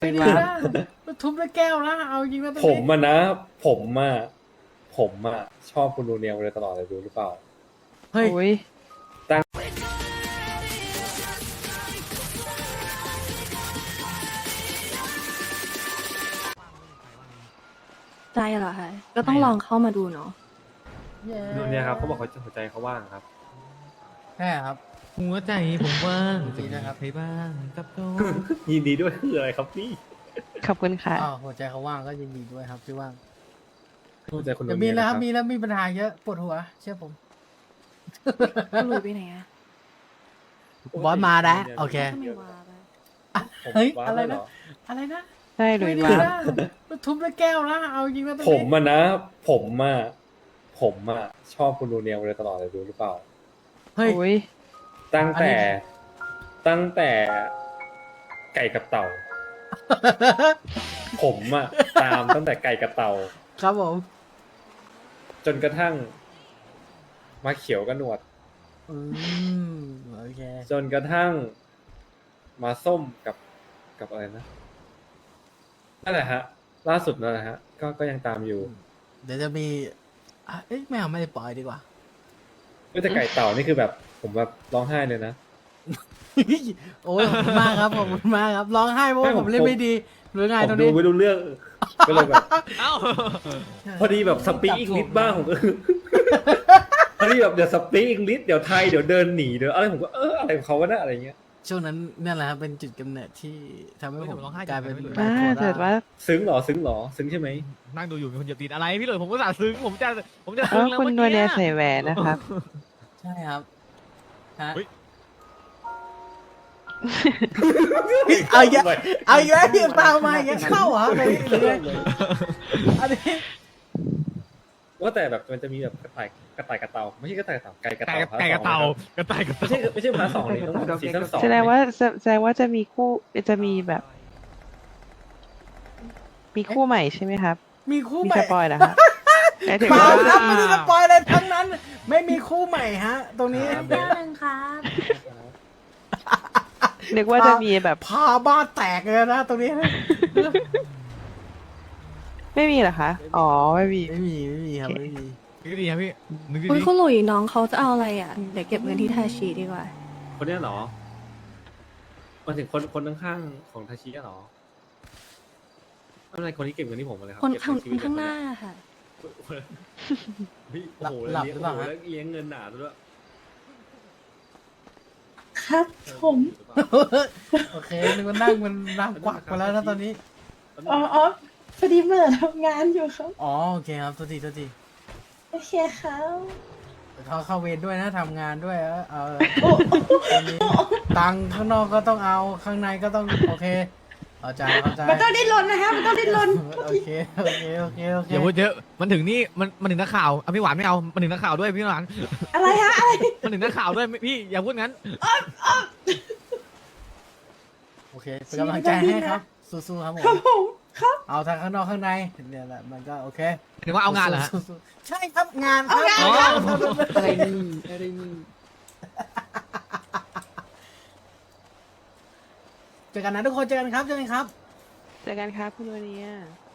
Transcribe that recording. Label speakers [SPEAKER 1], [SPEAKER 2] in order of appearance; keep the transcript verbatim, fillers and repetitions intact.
[SPEAKER 1] ไม่ดีนะมันทุบด้วยแก้วนะเอาจริงนะตรง
[SPEAKER 2] ผม
[SPEAKER 1] นี้
[SPEAKER 2] อะนะ ผมอะผมอะชอบคุณนูเนียมาโดยตลอดเลยรู้หรือเปล่า
[SPEAKER 1] เฮ้ย
[SPEAKER 3] โอ้ย
[SPEAKER 4] ใจเหรอคะก็ต้องลองเข้ามาดูเนาะ
[SPEAKER 2] นูเนียครับเขาบอกเขาหัวใจเขาว่างครับ
[SPEAKER 1] ใช่ครับ
[SPEAKER 5] หัวใจผมว่าง
[SPEAKER 1] ดี
[SPEAKER 5] จะ
[SPEAKER 1] นะ
[SPEAKER 5] มี
[SPEAKER 1] ครับ
[SPEAKER 5] ใครบ้างกับโต
[SPEAKER 2] ยินดีด้วยคืออะไรครับพี่
[SPEAKER 3] ขอบคุณค่ะ
[SPEAKER 1] อ้าวหัวใจเขาว่างก็ยินดีด้วยครับที่ว่าง
[SPEAKER 2] หัวใจคุณนู
[SPEAKER 1] จะ
[SPEAKER 2] เนี
[SPEAKER 1] มี
[SPEAKER 2] ย
[SPEAKER 1] แล้ว
[SPEAKER 2] นะ
[SPEAKER 1] ค
[SPEAKER 2] ค
[SPEAKER 1] รั
[SPEAKER 2] รั
[SPEAKER 1] บบ มีแล้วมีปัญหาเยอะปวดหัว เชื่อผม
[SPEAKER 4] คุณหลุยไปไหนอะ
[SPEAKER 1] บอสมาแล้วโอเค
[SPEAKER 4] ทำไมวาไป
[SPEAKER 2] ผม
[SPEAKER 1] เฮ้ย
[SPEAKER 2] ว้า
[SPEAKER 1] อะไร
[SPEAKER 2] ด้ว
[SPEAKER 1] นะ
[SPEAKER 2] เห
[SPEAKER 1] อะไรนะ
[SPEAKER 3] ใช่หลุ
[SPEAKER 1] ไม่
[SPEAKER 3] ย
[SPEAKER 1] ดี
[SPEAKER 3] ส์วา
[SPEAKER 1] นะมันทุบด้วยแก้วนะเอาจริงนะตรง
[SPEAKER 2] ผ
[SPEAKER 1] นี้
[SPEAKER 2] มอะนะ ผมอะผมอะชอบคุณนูเนียมาโดยตลอดเลยรู้หรือเปล่า
[SPEAKER 1] เฮ้ย
[SPEAKER 3] โอ้ย
[SPEAKER 2] ตั้ง
[SPEAKER 1] อันนี้
[SPEAKER 2] แต่ตั้งแต่ไก่กับเต่า ผมอะตามตั้งแต่ไก่กับเต่า
[SPEAKER 1] ครับผม
[SPEAKER 2] จนกระทั่งมาเขียวกับหนวด
[SPEAKER 1] อืมโอเค
[SPEAKER 2] จนกระทั่งมาส้มกับกับอะไรนะนั่นแหละฮะ ล่าสุดนั่นแหละฮะ ก็ก็ยังตามอยู่
[SPEAKER 1] เดี๋ยวจะมีอ่ะเอ๊ะไม่เอาไม่ได้ปล่อยดีกว่า
[SPEAKER 2] เอ้ยแต่ไก่เต่านี่คือแบบ ผมแบบร้องไห้เลยนะ
[SPEAKER 1] โอ้ยขอบคุณมากครับขอบคุณมากครับร้องไห้เพราะว่า
[SPEAKER 2] ไม่
[SPEAKER 1] ผ
[SPEAKER 2] ผม ม
[SPEAKER 1] เล่นไม่ดีหรือไง
[SPEAKER 2] ผม
[SPEAKER 1] ตรง
[SPEAKER 2] ดู
[SPEAKER 1] นี้
[SPEAKER 2] ไม่รู้เรื่อง ก็เลยแบบ
[SPEAKER 5] เอ้า
[SPEAKER 2] พอดีแบบสปีกอังกฤษบ้างผมก็ พอดีแบบเดี๋ยวสปีกอังกฤษเดี๋ยวไทยเดี๋ยวเดินหนีเดี๋ยวอะไรผมก็เอออะไรของเขาวะนะอะไรเงี้ย
[SPEAKER 1] ช่วงนั้นนั่นแหละครับเป็นจุดกำเนิดที่ทำให้ผมกลายเป็น
[SPEAKER 3] บ้าเกิดว่า
[SPEAKER 2] ซึ้งเหรอซึ้งเหรอซึ้งใช่ไหม
[SPEAKER 5] นั่งดูอยู่มีคนเหยียบตีนอะไรพี่หลุยผมก็สาซึ้งผมจะผมจะ
[SPEAKER 3] เอ
[SPEAKER 5] ซึ้ง
[SPEAKER 3] อ
[SPEAKER 5] แล้ว
[SPEAKER 3] คุณ
[SPEAKER 5] เมื่อ
[SPEAKER 3] นัว
[SPEAKER 5] กี้
[SPEAKER 3] เนียใส่แหวนนะครับ
[SPEAKER 1] ใช่ครับฮะ
[SPEAKER 5] เฮ้ย
[SPEAKER 1] เอาเยอะเอาเยอะที่ตามมาอย่างเงี้ยเข้าเหรออะไรหรือไงอันนี้
[SPEAKER 2] ว่าแต่แบบมันจะมีแบบกระต่ายกระต่ายกระเต่าไม่ใช่กระต่ายกระเต่าไก่กระ
[SPEAKER 5] ไก่
[SPEAKER 2] เต่า
[SPEAKER 5] ไก่กระเต่า
[SPEAKER 2] พาร์ทสอง
[SPEAKER 5] กระต่ายกระ
[SPEAKER 2] ไม่
[SPEAKER 5] เต่า
[SPEAKER 2] ใช่ไม่ใช่พาร์ทสองเลยต้องซีซั่นสอง
[SPEAKER 3] แสดงว่าแสดงว่าจะมีคู่จะมีแบบ มีคู่ใหม่ใช่ไหมครับ
[SPEAKER 1] มีคู่
[SPEAKER 3] มี
[SPEAKER 1] ใหม่
[SPEAKER 3] สปอยเหรอครับหมายถึง
[SPEAKER 1] เปล่า
[SPEAKER 3] ว่า
[SPEAKER 1] ครับไม่ได้สปอยอะไรทั้งนั้น ไม่มีคู่ใหม่ฮะ ตรงนี้
[SPEAKER 4] แก้วหนึ่งครับ
[SPEAKER 3] นึกว่าจะมีแบบ
[SPEAKER 1] พาบ้านแตกเลยนะตรงนี้
[SPEAKER 3] ไม่มีเหรอคะ อ๋อ ไม่มี
[SPEAKER 1] ไม่มีไม่มีครับไม่มี
[SPEAKER 5] นึกดีครับพี่นึกดี
[SPEAKER 4] อุ้ยคุณหลุยน้องเขาจะเอาอะไรอ่ะ เดี๋ยวเก็บเงินที่ทาชีดีกว่า
[SPEAKER 2] คนเนี้ยเหรอมาถึงคนคนข้างๆของทาชิอะเหรอไม่เป็นไรคนที่เก็บเงินที่ผมมาเลยครั
[SPEAKER 4] คน
[SPEAKER 2] เก็บ
[SPEAKER 4] ข้าง
[SPEAKER 2] ชีวิต
[SPEAKER 4] ข้างห
[SPEAKER 2] เลย
[SPEAKER 4] น้าค่ะ
[SPEAKER 2] เฮ้ย
[SPEAKER 1] หลับ
[SPEAKER 2] โอ้โห
[SPEAKER 1] หลับ
[SPEAKER 2] เลี้ยง
[SPEAKER 1] หรือเปล่า
[SPEAKER 2] โอ้โห
[SPEAKER 1] ฮะ
[SPEAKER 2] แล้วเลี้ยงเงินหนาด้วย
[SPEAKER 6] ครับผม
[SPEAKER 1] โอเคนึกว่านั่งมันนั่งกวักไปแล้วนะตอนนี้
[SPEAKER 6] อ๋ออ๋อพอดีเมื่อทำงานอยู่ครับ
[SPEAKER 1] อ๋อโอเคครับทุกทีทุกที
[SPEAKER 6] โอเคครับ
[SPEAKER 1] เขาเข้าเวรด้วยนะทำงานด้วยเออเอาตอนนี้ตังค์ข้างนอกก็ต้องเอาข้างในก็ต้องโอเคเข้าใจเข้าใจ
[SPEAKER 6] มันต้องดิ้นรนนะฮะมันต้องดิ้นรน
[SPEAKER 1] โอเคโอเคโอเคโอเค
[SPEAKER 5] อย่าพูดเยอะมันถึงนี่มันมันถึงนักข่าวอ่ะพี่หวานไม่เอามันถึงนักข่าวด้วยพี่หวาน
[SPEAKER 6] อะไรฮะอะไร
[SPEAKER 5] มันถึงนักข่าวด้วยพี่อย่าพูดงั้น
[SPEAKER 1] โอเคเป็นกำลังใจให้ครับสู้ๆครับผ
[SPEAKER 6] ครับ
[SPEAKER 1] ม
[SPEAKER 6] ผมครับ
[SPEAKER 1] เอาทั้งข้างนอกข้างในเนี่ยแหละมันก็โอเค
[SPEAKER 5] ถึงว่าเอางานเหรอฮะ
[SPEAKER 1] สู้ๆใช่ครับงานครับ
[SPEAKER 5] เอางาน
[SPEAKER 1] อะไรนี่อะไรนี่เจอกันนะทุกคนเจอกันครับเจอกันครับ
[SPEAKER 3] เจอกันครับคุณนัวเนีย